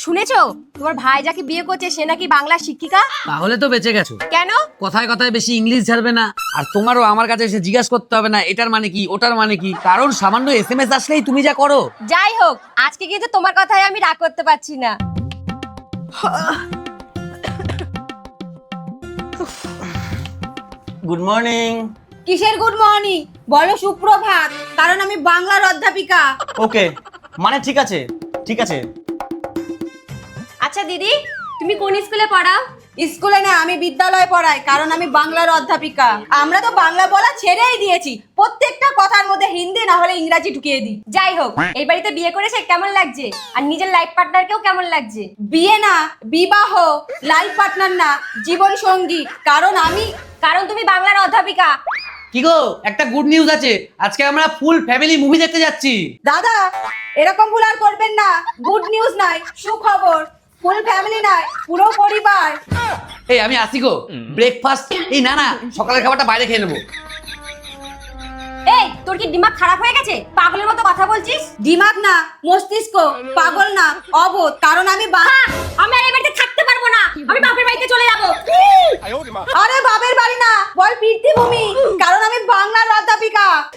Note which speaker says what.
Speaker 1: শুনেছো তোমার ভাই যাকে বিয়ে করছে সে নাকি বাংলা শিক্ষিকা?
Speaker 2: তাহলে তো বেঁচে গেছো।
Speaker 1: কেন?
Speaker 2: কথায় কথায় বেশি ইংলিশ ঝাড়বে না, আর তোমারও আমার কাছে এসে জিজ্ঞাসা করতে হবে না এটার মানে কি ওটার মানে কি, কারণ সামান্য এসএমএস আসলেই তুমি যা করো।
Speaker 1: যাই হোক, আজকে কিন্তু তোমার কথায় আমি রাগ করতে পারছি না।
Speaker 3: Good morning.
Speaker 4: কিসের গুড মর্নিং? বলো সুপ্রভাত, কারণ আমি বাংলার অধ্যাপিকা।
Speaker 3: ওকে, মানে ঠিক আছে ঠিক আছে।
Speaker 1: আচ্ছা দিদি, তুমি কোন স্কুলে পড়াও?
Speaker 4: স্কুলে না, আমি বিদ্যালয়ে পড়াই, কারণ আমি বাংলার অধ্যাপিকা। আমরা তো বাংলা বলা ছেড়েই দিয়েছি, প্রত্যেকটা কথার মধ্যে হিন্দি না হলে ইংরাজি ঢুকিয়ে দিই।
Speaker 1: যাই হোক, এই বাড়িতে বিয়ে করেছে কেমন লাগছে? আর নিজের লাইফ পার্টনারকেও কেমন লাগছে?
Speaker 4: বিয়ে না, বিবাহ, লাইফ পার্টনার না, জীবন সঙ্গী,
Speaker 1: কারণ তুমি বাংলার অধ্যাপিকা।
Speaker 2: কি গো, একটা গুড নিউজ আছে, আজকে আমরা ফুল ফ্যামিলি মুভি দেখতে যাচ্ছি।
Speaker 4: দাদা এরকম ভুল আর করবেন না। গুড নিউজ নাই, সুখবর। ফুল ফ্যামিলি নাই, পুরো পরিবার।
Speaker 2: এই আমি আসি গো, ব্রেকফাস্ট এই না না সকালের খাবারটা বাইরে খেয়ে নেবো।
Speaker 1: এই তোর কি দিমাগ খারাপ হয়ে গেছে? পাগলের মতো কথা বলছিস।
Speaker 4: দিমাগ না, মস্তিষ্ক। পাগল না, অবোধ, কারণ আমি
Speaker 1: আমি আর এই বাড়িতে থাকতে পারবো না, আমি বাপের বাড়িতে চলে যাবো।
Speaker 4: আরে বাপের বাড়ি না, বল পীর্তিভূমি, কারণ আমি বাংলার অধ্যাপিকা।